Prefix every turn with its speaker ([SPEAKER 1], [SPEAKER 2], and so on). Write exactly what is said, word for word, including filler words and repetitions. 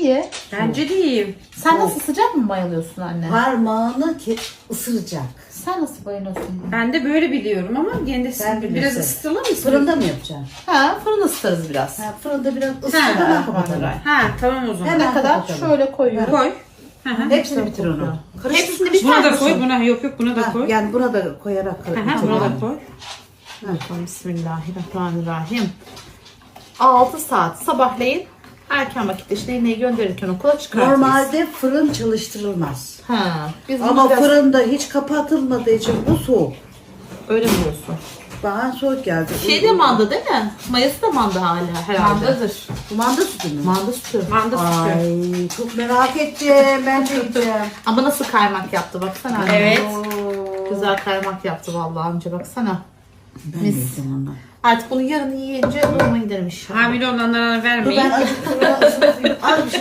[SPEAKER 1] iyi.
[SPEAKER 2] Bence de iyi.
[SPEAKER 1] Sen nasıl sıcak mı bayılıyorsun anne?
[SPEAKER 3] Parmağını ki ısıracak.
[SPEAKER 1] Sen nasıl bayılıyorsun?
[SPEAKER 2] Ben de böyle biliyorum ama gene de
[SPEAKER 3] Ben
[SPEAKER 2] biraz
[SPEAKER 3] bilirsin.
[SPEAKER 2] ısıtalım mı?
[SPEAKER 3] Fırında mı yapacaksın?
[SPEAKER 1] Ha, fırın ısıtarız biraz.
[SPEAKER 3] Ha, fırında biraz
[SPEAKER 2] Ha,
[SPEAKER 3] ısıtalım kapatalım.
[SPEAKER 2] Ha tamam o zaman.
[SPEAKER 3] Hemen
[SPEAKER 1] Ne kadar?
[SPEAKER 3] kapatalım.
[SPEAKER 1] Şöyle koyuyorum.
[SPEAKER 2] Koy. Hı hı.
[SPEAKER 3] Hepsini bitir onu.
[SPEAKER 1] Hepsini bir
[SPEAKER 2] Buna
[SPEAKER 1] tane
[SPEAKER 2] da koy. Buna yok yok buna da
[SPEAKER 3] Ha,
[SPEAKER 2] koy.
[SPEAKER 3] yani buna da koyarak
[SPEAKER 2] Hı hı,
[SPEAKER 3] bitir.
[SPEAKER 2] buna da koy.
[SPEAKER 1] Bakalım, Bismillahirrahmanirrahim. altı saat sabahleyin erken vakitte işte iğneyi gönderirken okula çıkartırız.
[SPEAKER 3] Normalde fırın çalıştırılmaz.
[SPEAKER 1] Ha, biz
[SPEAKER 3] Ama
[SPEAKER 1] bunu biraz-
[SPEAKER 3] fırında hiç kapatılmadığı için bu soğuk.
[SPEAKER 1] öyle mi diyorsun?
[SPEAKER 3] Bana soğuk geldi.
[SPEAKER 1] Şey de manda değil mi? Mayası da manda hala herhalde.
[SPEAKER 2] Mandadır.
[SPEAKER 3] Bu manda sütü mü?
[SPEAKER 1] Manda sütü.
[SPEAKER 2] Manda sütü.
[SPEAKER 3] Ay çok merak ettim. Ben de yiyeceğim.
[SPEAKER 1] Ama nasıl kaymak yaptı baksana anne.
[SPEAKER 2] Evet.
[SPEAKER 3] Oo.
[SPEAKER 1] Güzel kaymak yaptı vallahi amca baksana.
[SPEAKER 3] Ben
[SPEAKER 1] Mis.
[SPEAKER 3] de yiyeceğim onu.
[SPEAKER 1] Artık bunu yarın yiyince doğuma giderim inşallah.
[SPEAKER 2] Hamile olanlara
[SPEAKER 3] Dur
[SPEAKER 2] vermeyin.
[SPEAKER 3] ben acıktım. Az bir şey